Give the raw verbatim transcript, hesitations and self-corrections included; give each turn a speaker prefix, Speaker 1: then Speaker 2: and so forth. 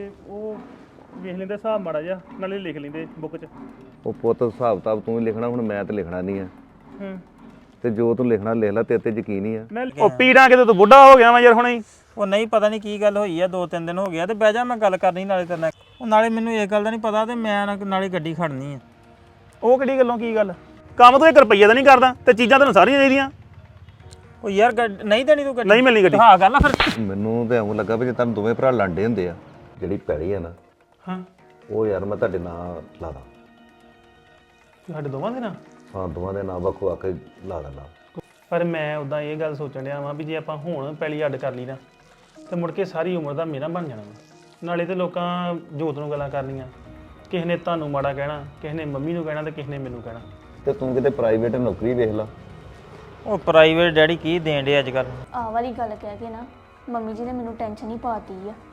Speaker 1: ਉਹ ਵੇਖ ਲੈਂਦੇ ਹਿਸਾਬ ਮਾੜਾ ਜਿਹਾ ਨਾਲੇ ਲਿਖ ਲੈਂਦੇ ਬੁੱਕ 'ਚ।
Speaker 2: ਉਹ ਪੁੱਤ ਹਿਸਾਬ ਕਿਤਾਬ ਤੂੰ ਹੀ ਲਿਖਣਾ, ਹੁਣ ਮੈਂ ਤੇ ਲਿਖਣਾ ਨਹੀਂ ਆ।
Speaker 1: ਹੂੰ
Speaker 2: ਤੇ ਜੋ ਤੂੰ ਲਿਖਣਾ ਲਿਖ ਲੈ, ਤੇਰੇ ਤੇ ਯਕੀਨ ਹੀ ਆ।
Speaker 1: ਮੈਂ ਉਹ ਪੀੜਾਂ ਕਿਤੇ ਤੂੰ ਬੁੱਢਾ ਹੋ ਗਿਆ ਵਾ ਯਾਰ ਹੁਣੇ ਹੀ।
Speaker 3: ਉਹ ਨਹੀਂ ਪਤਾ ਨਹੀਂ ਕੀ ਗੱਲ ਹੋਈ ਆ, ਦੋ ਤਿੰਨ ਦਿਨ ਹੋ ਗਿਆ ਤੇ ਬਹਿ ਜਾ ਮੈਂ ਗੱਲ ਕਰਨੀ ਨਾਲੇ ਤੇਰੇ ਨਾਲ। ਉਹ ਨਾਲੇ ਮੈਨੂੰ ਇਹ ਗੱਲ ਦਾ ਨਹੀਂ ਪਤਾ ਤੇ ਮੈਂ ਨਾ- ਨਾਲੇ ਗੱਡੀ ਖੜਨੀ ਆ।
Speaker 1: ਉਹ ਕਿਹੜੀ ਗੱਲੋਂ ਕੀ ਗੱਲ? ਕੰਮ ਤੂੰ ਇੱਕ ਰੁਪਈਆ ਦਾ ਨਹੀਂ ਕਰਦਾ ਤੇ ਚੀਜ਼ਾਂ ਤੈਨੂੰ ਸਾਰੀਆਂ ਚਾਹੀਦੀਆਂ।
Speaker 3: ਉਹ ਯਾਰ ਗੱਡ- ਨਹੀਂ ਦੇਣੀ ਤੂੰ ਗੱਡੀ?
Speaker 1: ਨਹੀਂ ਮਿਲਣੀ ਗੱਡੀ।
Speaker 3: ਹਾਂ ਗੱਲ ਆ ਫਿਰ।
Speaker 2: ਮੈਨੂੰ ਤੇ ਐਵੇਂ ਲੱਗਾ ਵੀ ਜੇ ਤੁਹਾਨੂੰ ਦੋਵੇਂ ਭਰਾ ਲਾਂਡੇ ਹੁੰਦੇ ਆ, ਜਿਹੜੀ ਪੈੜੀ ਆ ਨਾ
Speaker 1: ਹਾਂ
Speaker 2: ਉਹ ਯਾਰ ਮੈਂ ਤੁਹਾਡੇ ਨਾਂ ਲਾ ਦਾਂ।
Speaker 1: ਸਾਡੇ ਦੋਵਾਂ ਦੇ ਨਾਲ।
Speaker 2: ਹਾਂ ਦੋਵਾਂ ਦੇ ਨਾਂ ਵੱਖੋ ਵੱਖ ਲਾ ਦਿੰਦਾ।
Speaker 1: ਪਰ ਮੈਂ ਉਦਾਂ ਇਹ ਗੱਲ ਸੋਚਣ ਡਿਆ ਵਾਂ ਵੀ ਜੇ ਆਪਾਂ ਹੁਣ ਪਹਿਲੀ ਅੱਡ ਕਰ ਲਈ ਨਾ ਤੇ ਮੁੜ ਕੇ ਸਾਰੀ ਉਮਰ ਦਾ ਮੇਰਾ ਬਣ ਜਾਣਾ ਵਾ। ਨਾਲੇ ਤੇ ਲੋਕਾਂ ਜੋਤ ਨੂੰ ਗੱਲਾਂ ਕਰਨੀਆਂ, ਕਿਸੇ ਨੇ ਤੁਹਾਨੂੰ ਮਾੜਾ ਕਹਿਣਾ, ਕਿਸੇ ਨੇ ਮੰਮੀ ਨੂੰ ਕਹਿਣਾ ਤੇ ਕਿਸੇ ਨੇ ਮੈਨੂੰ ਕਹਿਣਾ।
Speaker 2: ਤੇ ਤੂੰ ਕਿਤੇ ਪ੍ਰਾਈਵੇਟ ਨੌਕਰੀ ਵੇਖ ਲਾ।
Speaker 3: ਉਹ ਪ੍ਰਾਈਵੇਟ ਡੈਡੀ ਕੀ ਦੇਣ ਡੇ ਅੱਜ ਕੱਲ?
Speaker 4: ਆਹ ਵਾਲੀ ਗੱਲ ਕਹਿ ਕੇ ਨਾ ਮੰਮੀ ਜੀ ਨੇ ਮੈਨੂੰ ਟੈਨਸ਼ਨ ਹੀ ਪਾਤੀ ਆ।